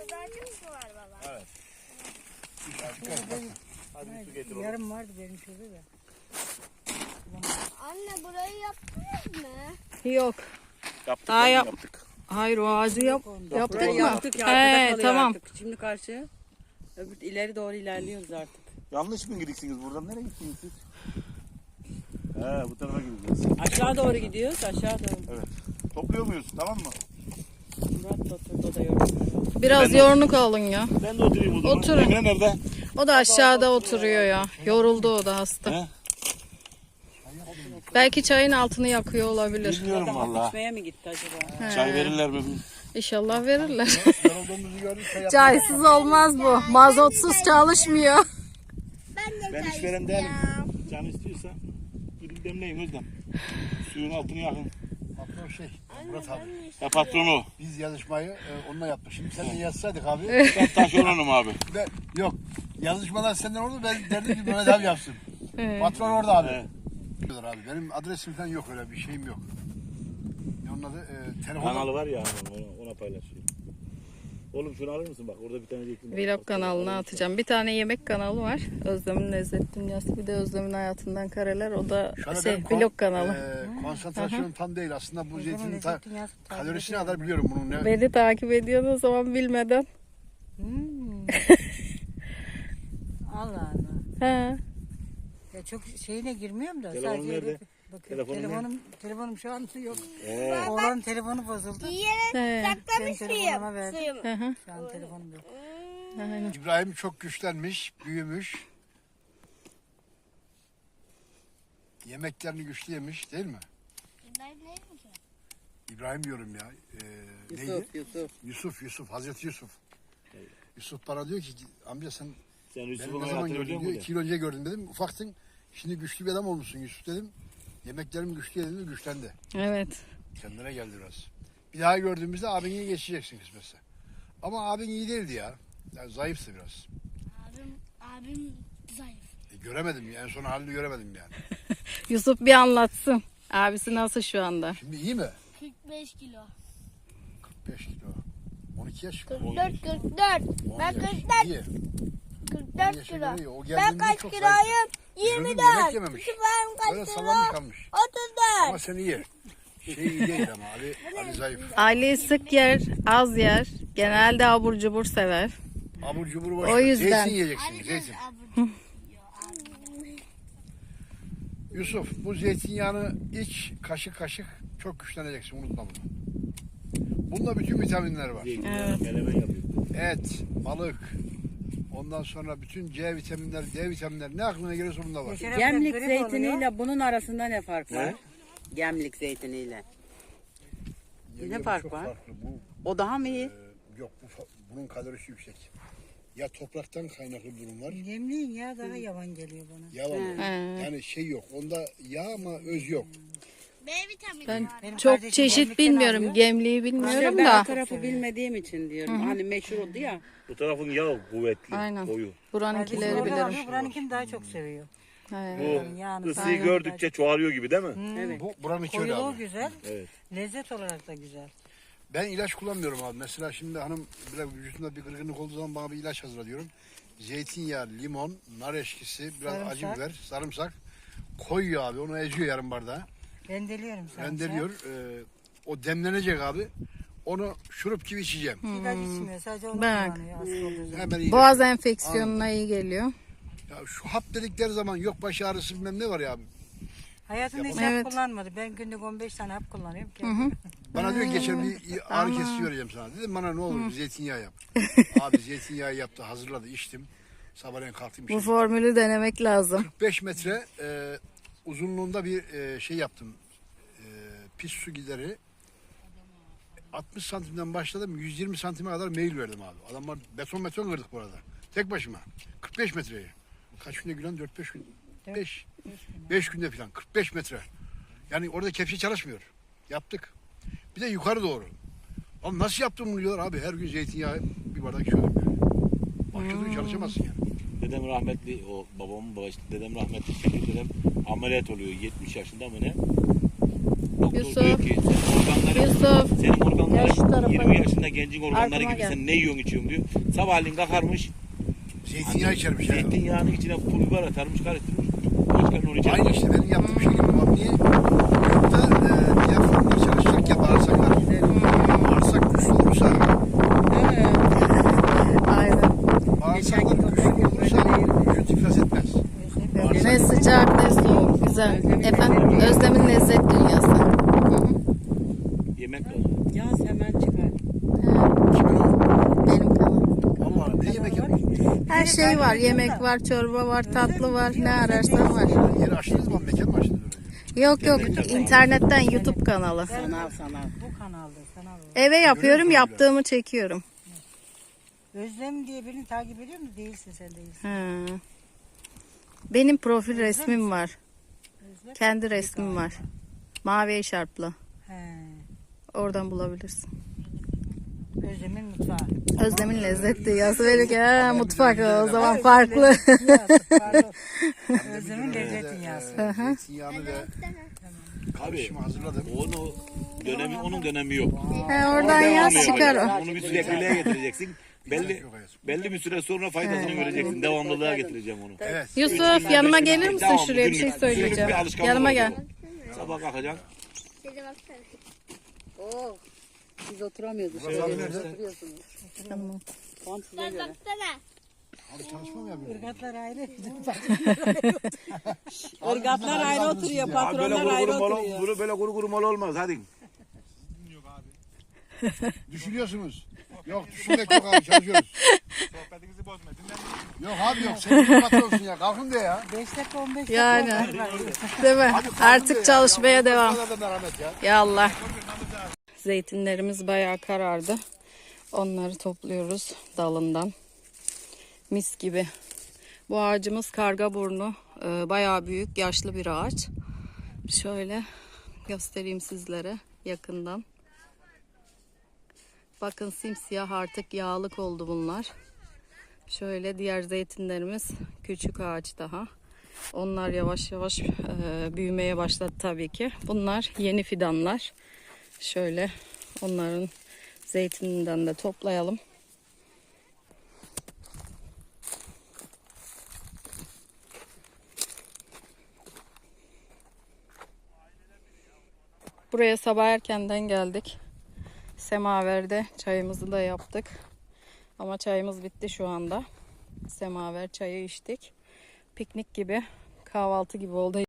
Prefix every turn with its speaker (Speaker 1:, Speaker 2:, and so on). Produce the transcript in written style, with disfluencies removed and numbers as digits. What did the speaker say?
Speaker 1: ağacımız mı var baba?
Speaker 2: Evet. Hadi bir su getir oğlum.
Speaker 3: Yarım vardı benim şurada da.
Speaker 1: Anne burayı yaptınız mı?
Speaker 4: Yok.
Speaker 2: Yaptık.
Speaker 4: Daha
Speaker 2: oğlum,
Speaker 4: yap-
Speaker 2: yaptık.
Speaker 4: Hayır o ağacı yaptık
Speaker 5: Burayı
Speaker 4: mı?
Speaker 5: yaptık ya, arkada kalıyor
Speaker 4: Tamam.
Speaker 5: artık. Şimdi karşı öbür ileri doğru ilerliyoruz artık.
Speaker 2: Yanlış mı gidiksiniz buradan? Nereye gittiniz siz? He, bu tarafa gideceğiz.
Speaker 5: Aşağı doğru gidiyoruz, aşağı doğru.
Speaker 2: Evet. Topluyor muyuz? Tamam mı?
Speaker 5: Murat da oturdu da yoruldu.
Speaker 4: Biraz yoruluk alın ya.
Speaker 2: Ben de oturayım o zaman.
Speaker 4: Oturun.
Speaker 2: Emre nerede?
Speaker 4: O da aşağıda oturuyor ya. Yoruldu o da hasta.
Speaker 2: He?
Speaker 4: Belki çayın altını yakıyor olabilir.
Speaker 2: Bilmiyorum
Speaker 5: Adam
Speaker 2: valla.
Speaker 5: içmeye mi gitti acaba?
Speaker 2: Çay verirler mi?
Speaker 4: İnşallah verirler.
Speaker 2: Yorulduğumuzu gördük.
Speaker 4: Çaysız olmaz bu. Mazotsuz çalışmıyor.
Speaker 2: Ben işveren değilim. Can istiyorsa gidip demleyin Özlem. Suyun altını yakın.
Speaker 6: Patron Murat abi.
Speaker 2: Ya patronu.
Speaker 6: Biz yazışmayı onunla yaptık. Şimdi seninle yazsaydık abi.
Speaker 2: Ben taşeronum abi.
Speaker 6: Yok. Yazışmalar senden oldu. Ben derdim ki Mehmet abi yapsın. Patron orada abi.
Speaker 2: Evet.
Speaker 6: Diyorlar abi. Benim adresim falan yok, öyle bir şeyim yok. Onun adı telefon.
Speaker 2: Kanalı var ya ona paylaşıyor. Oğlum şunu alır mısın bak orada bir tane zeytin var.
Speaker 4: Vlog kanalına atacağım. Bir tane yemek kanalı var. Özlem'in Lezzet Dünyası. Bir de Özlem'in Hayatından Kareler. O da
Speaker 6: Şu anda
Speaker 4: şey
Speaker 6: benim
Speaker 4: vlog kanalı.
Speaker 6: konsantrasyonum tam değil. Aslında bu zeytinin
Speaker 3: Lezzet Dünyası takip
Speaker 6: kalorisine
Speaker 3: ediyorum.
Speaker 6: kadar biliyorum bunun ne.
Speaker 4: Beni takip ediyorsun o zaman bilmeden.
Speaker 3: Allah Allah.
Speaker 4: He.
Speaker 3: Ya çok şeyine girmiyorum da.
Speaker 2: Telefonun
Speaker 3: sadece
Speaker 2: nerede?
Speaker 3: öyle bakıyorum.
Speaker 2: Telefonun
Speaker 3: Telefonum şu an yok.
Speaker 2: He.
Speaker 3: Oğlanın telefonu bozuldu.
Speaker 1: Yiyerek
Speaker 4: He.
Speaker 1: saklamış
Speaker 3: Ben telefonuma
Speaker 1: mıyım?
Speaker 3: verdim.
Speaker 1: Suyumu.
Speaker 4: Hı hı.
Speaker 3: Şu an telefonum yok.
Speaker 4: Aynen.
Speaker 6: İbrahim çok güçlenmiş, büyümüş. Yemeklerini güçlü yemiş değil mi? İbrahim diyorum ya. Neydi?
Speaker 5: Yusuf.
Speaker 6: Hazreti Yusuf. Yusuf bana diyor ki amca sen
Speaker 2: Sen
Speaker 6: beni
Speaker 2: Yusuf'un
Speaker 6: ne zaman
Speaker 2: hayatını
Speaker 6: gördün
Speaker 2: biliyor
Speaker 6: diyor.
Speaker 2: musun?
Speaker 6: 2 yıl önce gördüm dedim. Ufaktın. Şimdi güçlü bir adam olmuşsun Yusuf dedim. Yemeklerim güçlü yedim, güçlendi.
Speaker 4: Evet.
Speaker 6: Kendine geldi biraz. Bir daha gördüğümüzde abini geçeceksin kısmetse. Ama abin iyi değildi ya. Yani zayıftı biraz.
Speaker 1: Abim zayıf.
Speaker 6: Göremedim en son halini göremedim yani.
Speaker 4: Yusuf bir anlatsın. Abisi nasıl şu anda?
Speaker 6: Şimdi iyi mi?
Speaker 1: 45 kilo.
Speaker 6: 45 kilo. 12 yaş.
Speaker 1: 44, 44.
Speaker 6: 10
Speaker 1: Ben
Speaker 6: yaş.
Speaker 1: 44,
Speaker 6: İyi.
Speaker 1: 44
Speaker 6: yaşa
Speaker 1: kilo.
Speaker 6: göre iyi. O
Speaker 1: Ben
Speaker 6: geldiğinde
Speaker 1: kaç
Speaker 6: çok
Speaker 1: kiloyum?
Speaker 6: Üzüldüm,
Speaker 1: 24.
Speaker 6: yemek yememiş.
Speaker 1: Ben
Speaker 6: Böyle
Speaker 1: kaç
Speaker 6: sallanmış
Speaker 1: kilo?
Speaker 6: kalmış.
Speaker 1: 34.
Speaker 6: Ama sen iyi. İyi değil ama Ali zayıf.
Speaker 4: Ali sık yer, az yer. Genelde abur cubur sever.
Speaker 6: Abur cubur boş
Speaker 4: O
Speaker 6: ver.
Speaker 4: yüzden.
Speaker 6: Zeytin yiyeceksin. Zeytin. Yusuf bu zeytinyağını iç kaşık kaşık çok güçleneceksin, unutma bunu. Bunda bütün vitaminler var.
Speaker 4: Evet.
Speaker 2: Melemen yapıyor.
Speaker 6: Et, balık, ondan sonra bütün C vitaminler, D vitaminler ne aklına geliyorsa bunda var.
Speaker 5: Gemlik
Speaker 3: grip
Speaker 5: zeytiniyle bunun arasında ne fark var?
Speaker 2: Ne?
Speaker 5: Gemlik zeytiniyle.
Speaker 6: Yenge, bu
Speaker 5: fark
Speaker 6: çok
Speaker 5: var?
Speaker 6: farklı. Bu,
Speaker 5: O daha mı iyi?
Speaker 6: yok bunun kalorisi yüksek. Ya topraktan kaynaklı bir durum var.
Speaker 3: Yemliğin ya daha yavan geliyor bana.
Speaker 6: Ya var.
Speaker 4: He.
Speaker 6: Yani şey yok. Onda yağ ama öz yok.
Speaker 1: B vitamini
Speaker 4: Ben
Speaker 1: var.
Speaker 3: Benim
Speaker 4: çok
Speaker 3: kardeşim
Speaker 4: çeşit
Speaker 3: gemlikten
Speaker 4: bilmiyorum.
Speaker 3: alıyor.
Speaker 4: Gemliği
Speaker 5: İşte
Speaker 4: bilmiyorum
Speaker 5: ben
Speaker 4: da.
Speaker 5: o tarafı bilmediğim için diyorum. Hani meşhur oldu ya.
Speaker 2: Bu tarafın yağı kuvvetli.
Speaker 4: Aynen.
Speaker 2: Koyu.
Speaker 4: Buranınkileri
Speaker 3: Kardeşim orada
Speaker 4: bilirim.
Speaker 3: alıyor, buranınkini daha çok seviyor.
Speaker 2: Bu
Speaker 3: Yani
Speaker 2: ısıyı
Speaker 3: aynen.
Speaker 2: gördükçe çoğalıyor gibi değil mi?
Speaker 5: Evet.
Speaker 6: Buranın iki öyle
Speaker 3: Koyuluğu
Speaker 6: abi.
Speaker 3: güzel,
Speaker 2: Evet.
Speaker 3: lezzet olarak da güzel.
Speaker 6: Ben ilaç kullanmıyorum abi. Mesela şimdi hanım biraz vücudunda bir kırgınlık olduğu zaman bana bir ilaç hazırla diyorum. Zeytinyağı, limon, nar eşkisi, biraz
Speaker 3: Sarımsak.
Speaker 6: acı biber, sarımsak koyuyor abi. Onu eziyor yarım bardağa.
Speaker 3: Rendeliyorum sen.
Speaker 6: Rendeliyor. O demlenecek abi. Onu şurup gibi içeceğim.
Speaker 3: İlaç içmiyor, sadece onu
Speaker 4: Bak.
Speaker 3: kullanıyor hasta olduğu zaman.
Speaker 6: Hemen iyi.
Speaker 4: Boğaz enfeksiyonuna iyi geliyor.
Speaker 6: Ya şu hap dedikleri zaman yok baş ağrısı bilmem ne var ya abi.
Speaker 3: Hayatımda hiç
Speaker 4: Evet.
Speaker 3: hap kullanmadı. Ben günlük 15 tane hap kullanıyorum.
Speaker 6: Bana diyor ki geçen bir ağrı kesici vereceğim sana. Dedim bana ne olur zeytinyağı yap. Abi zeytinyağı yaptı, hazırladı, içtim. Sabahleyin kalktım.
Speaker 4: Bu
Speaker 6: içtim.
Speaker 4: formülü denemek lazım.
Speaker 6: 45 metre uzunluğunda bir şey yaptım. Pis su gideri. 60 santimden başladım. 120 santime kadar meyil verdim abi. Adamlar beton kırdık bu arada. Tek başıma. 45 metreyi. Kaç günde Gülen? 4-5 gün. 5 günde falan. 45 metre. Yani orada kepçe çalışmıyor. Yaptık. Bir de yukarı doğru. Ama nasıl yaptım bunu diyorlar abi. Her gün zeytinyağı bir bardak içiyorduk. Başka türlü çalışamazsın yani.
Speaker 2: Dedem rahmetli, o babamın babası, dedem rahmetli, şimdi dedem ameliyat oluyor 70 yaşında mı ne? doktor
Speaker 4: Yusuf.
Speaker 2: diyor ki
Speaker 4: Yusuf.
Speaker 2: senin
Speaker 4: Gel şu
Speaker 2: organların
Speaker 4: tarafa
Speaker 2: 20 yaşında gencin organları
Speaker 4: Arkama
Speaker 2: gibi
Speaker 4: gel.
Speaker 2: sen ne yiyorsun içiyorsun diyor. Sabahleyin kalkarmış
Speaker 6: Zeytinyağı içermiş ya.
Speaker 2: zeytinyağının içine pul biber atarmış karıştırmış. Başkanın onu içermiş.
Speaker 6: Aynı işte benim yaptığım şey gibi. Bak niye? Yurtta diyaframlar çalışacak ya bağırsaklar. Bağırsak güçlü olursa,
Speaker 4: Aynen.
Speaker 6: bağırsaklar güçlü olursa vücut iflas etmez.
Speaker 4: Ne sıcak ne soğuk. Güzel. Efendim Özlem'in lezzet dünyası.
Speaker 2: Yemek var.
Speaker 5: Yaz hemen çıkar.
Speaker 6: Kimin o?
Speaker 4: Benim kanalım.
Speaker 6: Allah ne yemek yapıyorsun?
Speaker 4: Her şey var. Yemek var, çorba var, tatlı var. Ne ararsan var.
Speaker 6: Yeri açtınız mı? Mekan mı açtınız öyle?
Speaker 4: Yok yok. İnternetten YouTube kanalı.
Speaker 5: Sanal.
Speaker 3: Bu kanalda sanal.
Speaker 4: Eve yapıyorum, yaptığımı çekiyorum.
Speaker 3: Özlem diye birini takip ediyor musun? Değilsin sen değilsin.
Speaker 4: Ha. Benim profil resmim var. Kendi resmim var. Mavi eşarplı.
Speaker 3: He.
Speaker 4: Oradan bulabilirsin.
Speaker 3: Özlem'in mutfağı.
Speaker 4: Özlem'in lezzet dünyası verir ki ha, mutfak o zaman farklı.
Speaker 3: Pardon. Özlem'in lezzet dünyası.
Speaker 6: Zeytinyağını ve
Speaker 2: Abi
Speaker 6: karışımı hazırladım.
Speaker 2: onun dönemi yok.
Speaker 4: Ha, oradan yaz
Speaker 2: Devamlı
Speaker 4: çıkar o.
Speaker 2: yapacaksın. Onu bir sürekliliğe getireceksin.
Speaker 6: Yok hayatım.
Speaker 2: Belli bir süre sonra faydasını göreceksin. Devamlılığa getireceğim onu.
Speaker 6: Evet.
Speaker 4: Yusuf yanıma gelir misin?
Speaker 2: Devamlı,
Speaker 4: Şuraya bir şey
Speaker 2: günlük,
Speaker 4: söyleyeceğim.
Speaker 2: günlük bir alışkanlık
Speaker 4: Yanıma
Speaker 2: olacak
Speaker 4: gel.
Speaker 2: o. Sabah kalkacaksın.
Speaker 1: Size baksana.
Speaker 5: Oo. Biz oturamıyoruz. Oturuyorsunuz.
Speaker 4: Tamam.
Speaker 5: Tam size
Speaker 1: Bak
Speaker 5: göre.
Speaker 1: baksana.
Speaker 6: Abi çalışma mı yapıyorsun?
Speaker 3: Irgatlar ayrı.
Speaker 5: Irgatlar ayrı oturuyor. Patronlar ayrı oturuyor.
Speaker 2: Böyle kuru kuru mal olmaz. Hadi.
Speaker 6: Düşünüyorsunuz. Yok düşünmek yok abi çalışıyoruz. Sohbetinizi bozma. Yok abi yok sen bir patronsun ya kalkın de ya.
Speaker 3: 5 dakika 15 dakika.
Speaker 4: Yani.
Speaker 3: var.
Speaker 4: Değil mi? Artık çalışmaya devam.
Speaker 6: Bana da merhamet ya.
Speaker 4: Ya Allah. Zeytinlerimiz bayağı karardı. Onları topluyoruz dalından. Mis gibi. Bu ağacımız kargaburnu. Bayağı büyük, yaşlı bir ağaç. Şöyle göstereyim sizlere yakından. Bakın simsiyah artık yağlık oldu bunlar. Şöyle diğer zeytinlerimiz küçük ağaç daha. Onlar yavaş yavaş büyümeye başladı tabii ki. Bunlar yeni fidanlar. Şöyle onların zeytininden de toplayalım. Buraya sabah erkenden geldik. Semaverde çayımızı da yaptık. Ama çayımız bitti şu anda. Semaver çayı içtik. Piknik gibi, kahvaltı gibi oldu.